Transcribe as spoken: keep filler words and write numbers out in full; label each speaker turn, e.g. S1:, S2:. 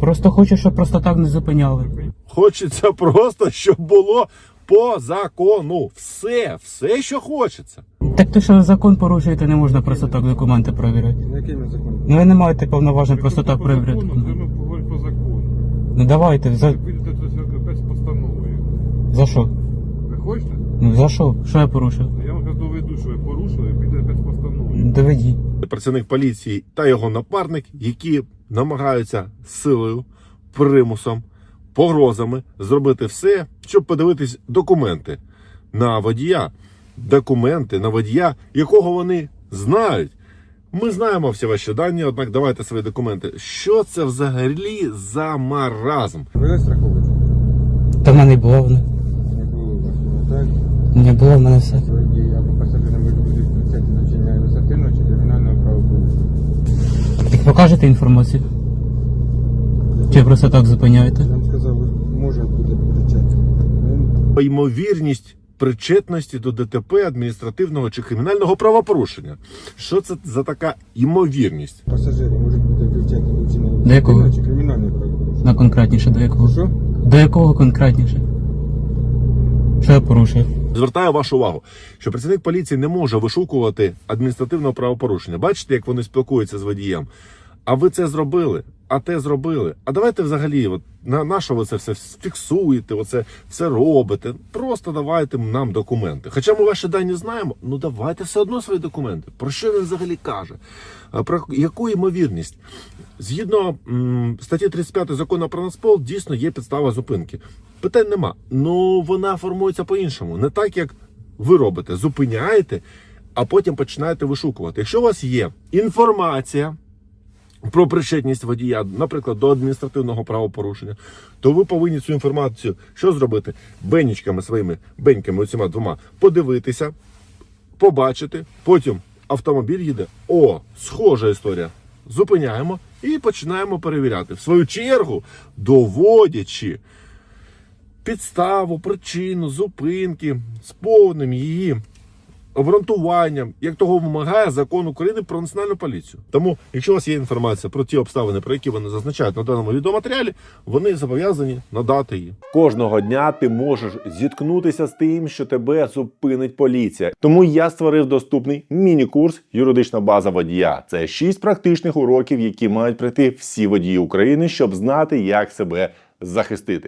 S1: Просто хочу, щоб просто так не зупиняли.
S2: Хочеться просто, щоб було по закону. Все, все, що хочеться.
S1: Так то, що закон порушуєте, не можна просто так документи перевіряти.
S3: Якими законами?
S1: Ну ви не маєте повноважень просто так перевіряти
S3: Це
S1: документи.
S3: ми поговоримо по закону.
S1: Ну давайте, за,
S3: Ви підете до святка без постанови.
S1: за що?
S3: Ви хочете?
S1: Ну за що? Що я порушив?
S3: Я вам зараз доведу, що ви порушили, і підете без постанови.
S1: Доведіть.
S2: Працівник поліції та його напарник, які намагаються силою, примусом, погрозами зробити все, щоб подивитись документи на водія. Документи на водія, якого вони знають. Ми знаємо всі ваші дані, однак давайте свої документи. Що це взагалі за маразм?
S3: Ви не страховуєте?
S1: Та в мене не було воно.
S3: Не було у вас, не так?
S1: Не було в мене все.
S3: Свої дії або пасажирам ви будуть включати до вчинення адміністративного чи кримінального правопорушення.
S1: Так покажете інформацію? Чи просто так зупиняєте?
S3: Я вам сказав, може буде включати.
S2: Ймовірність причетності до ДТП, адміністративного чи кримінального правопорушення. Що це за така ймовірність?
S3: Пасажири можуть бути включати до вчинення
S1: До якого?
S3: адміністративного чи кримінального правопорушення.
S1: На конкретніше, до якого?
S3: Що?
S1: До якого конкретніше? Що я порушив?
S2: Звертаю вашу увагу, що працівник поліції не може вишукувати адміністративного правопорушення. Бачите, як вони спілкуються з водієм? А ви це зробили, а те зробили. А давайте взагалі, от, на, на що ви це все фіксуєте, оце все робите. Просто давайте нам документи. Хоча ми ваші дані знаємо, ну давайте все одно свої документи. Про що він взагалі каже? А Про яку ймовірність? Згідно м, статті тридцять п'ять закону про Нацпол, дійсно є підстава зупинки. Питань нема. Ну вона формується по-іншому. Не так, як ви робите. Зупиняєте, а потім починаєте вишукувати. Якщо у вас є інформація про причетність водія, наприклад, до адміністративного правопорушення, то ви повинні цю інформацію що зробити? Бенічками своїми, беньками оціма двома, подивитися, побачити, потім автомобіль їде, о, схожа історія, зупиняємо і починаємо перевіряти. В свою чергу, доводячи підставу, причину, зупинки з повним її обґрунтуванням, як того вимагає закон України про національну поліцію. Тому, якщо у вас є інформація про ті обставини, про які вони зазначають на даному відеоматеріалі, вони зобов'язані надати її.
S4: Кожного дня ти можеш зіткнутися з тим, що тебе зупинить поліція. Тому я створив доступний міні-курс «Юридична база водія». Це шість практичних уроків, які мають пройти всі водії України, щоб знати, як себе захистити.